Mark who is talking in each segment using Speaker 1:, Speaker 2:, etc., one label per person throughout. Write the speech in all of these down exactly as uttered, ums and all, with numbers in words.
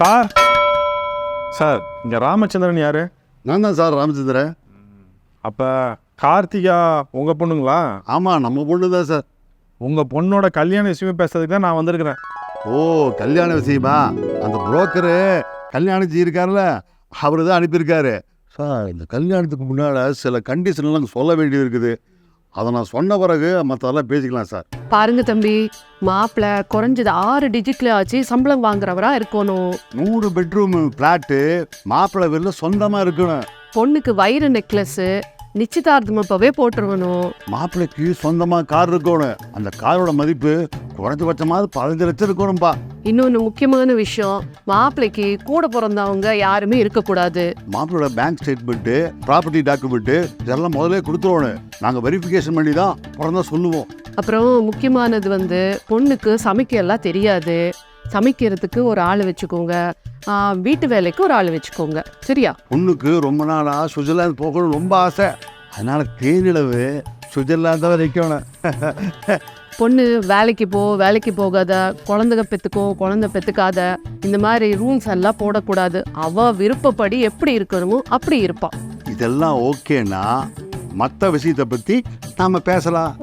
Speaker 1: Sir sir இங்கே ராமச்சந்திரன் யார்?
Speaker 2: நான் தான் சார் ராமச்சந்திரன்.
Speaker 1: அப்போ கார்த்திகா உங்கள் பொண்ணுங்களா?
Speaker 2: ஆமாம், நம்ம பொண்ணு தான் சார்.
Speaker 1: உங்கள் பொண்ணோட கல்யாண விஷயமே பேசுறதுக்கு தான் நான் வந்திருக்கிறேன்.
Speaker 2: ஓ, கல்யாண விஷயமா? அந்த புரோக்கரு கல்யாணம் இருக்கார்ல, அவர் தான் அனுப்பியிருக்காரு சார். இந்த கல்யாணத்துக்கு முன்னால் சில கண்டிஷன்லாம் சொல்ல வேண்டியது இருக்குது. அதை நான் சொன்ன பிறகு மற்றதெல்லாம் பேசிக்கலாம் சார்.
Speaker 3: பாருங்க தம்பி, மாப்பிள்ள குறைஞ்சது ஆறு டிஜிட்ல ஆச்சு சம்பளம் வாங்குறவரா இருக்கணும்.
Speaker 2: நூறு பெட்ரூம் பிளாட்டு மாப்பிள்ளை வீட்டில் சொந்தமாக இருக்கணும்.
Speaker 3: பொண்ணுக்கு வைர நெக்லஸ் நிச்சயதார்த்தம் அப்பவே போட்டுருவணும்.
Speaker 2: மாப்பிள்ளைக்கு சொந்தமாக கார் இருக்கணும். அந்த காரோட மதிப்பு குறைஞ்சபட்சமாவது பதினஞ்சு லட்சம் இருக்கணும்பா.
Speaker 3: இன்னொன்று முக்கியமான விஷயம், மாப்பிள்ளைக்கு கூட பிறந்தவங்க யாருமே இருக்கக்கூடாது.
Speaker 2: மாப்பிள்ளோட பேங்க் ஸ்டேட்மெண்ட்டு, ப்ராப்பர்ட்டி டாக்குமெண்ட்டு இதெல்லாம் முதல்ல கொடுத்துருவோம். நாங்கள் வெரிஃபிகேஷன் பண்ணி தான் பிறந்தா சொல்லுவோம்.
Speaker 3: அப்புறம் முக்கியமானது வந்து பொண்ணுக்கு சமைக்க எல்லாம் தெரியாது. சமைக்கிறதுக்கு ஒரு ஆள் வச்சுக்கோங்க, வீட்டு வேலைக்கு ஒரு ஆள் வச்சுக்கோங்க, சரியா?
Speaker 2: பொண்ணுக்கு ரொம்ப நாளாக சுவிட்சர்லாந்து போகணும்னு ரொம்ப ஆசை. அதனால தேனிலவு சுவிட்சர்லாந்து தான் வைக்கணும்.
Speaker 3: பொண்ணு வேலைக்கு போ வேலைக்கு போகாத, குழந்தைங்க பெற்றுக்கோ குழந்தை பெற்றுக்காத, இந்த மாதிரி ரூல்ஸ் எல்லாம் போடக்கூடாது. அவ விருப்பப்படி எப்படி இருக்கணுமோ அப்படி இருப்பான்.
Speaker 2: இதெல்லாம் ஓகேனா மற்ற விஷயத்தை பற்றி நாம் பேசலாம்.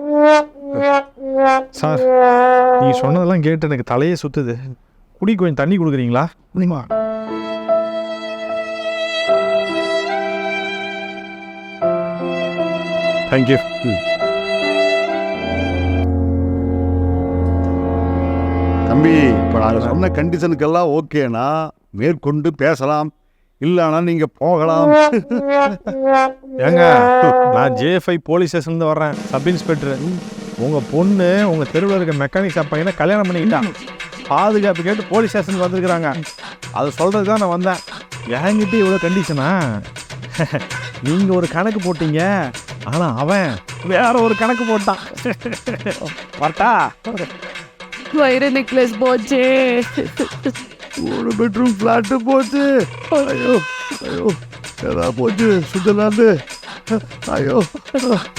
Speaker 1: சார் நீ சொன்னதெல்லாம் கேட்டு எனக்கு தலையே சுத்துது. குடி கொஞ்சம் தண்ணி கொடுக்குறீங்களா?
Speaker 2: முடியுமா?
Speaker 1: தேங்க்யூ.
Speaker 2: தம்பி, இப்போ நாங்கள் சொன்ன கண்டிஷனுக்கெல்லாம் ஓகேனா மேற்கொண்டு பேசலாம், இல்லைனா நீங்கள் போகலாம்.
Speaker 1: ஏங்க, நான் ஜேஎஃப்ஐ போலீஸ் ஸ்டேஷன்லேருந்து வர்றேன், சப் இன்ஸ்பெக்டர். உங்கள் பொண்ணு உங்கள் தெருவில் இருக்க மெக்கானிக் ஷாப் பையனை கல்யாணம் பண்ணிக்கிட்டான். பாதுகாப்பு கேட்டு போலீஸ் ஸ்டேஷனுக்கு வந்துருக்குறாங்க. அதை சொல்கிறது தான் நான் வந்தேன். என்கிட்ட இவ்வளோ கண்டிஷனா? நீங்கள் ஒரு கணக்கு போட்டீங்க, ஆனால் அவன் வேற ஒரு கணக்கு போட்டான். வரட்டா?
Speaker 3: வைர நெக்லஸ் போச்சு,
Speaker 2: ஒரு பெட்ரூம் ஃப்ளாட்டு போச்சு. ஐயோ ஐயோ, ஏதா போச்சு சுவிட்சர்லாந்து. ஐயோ.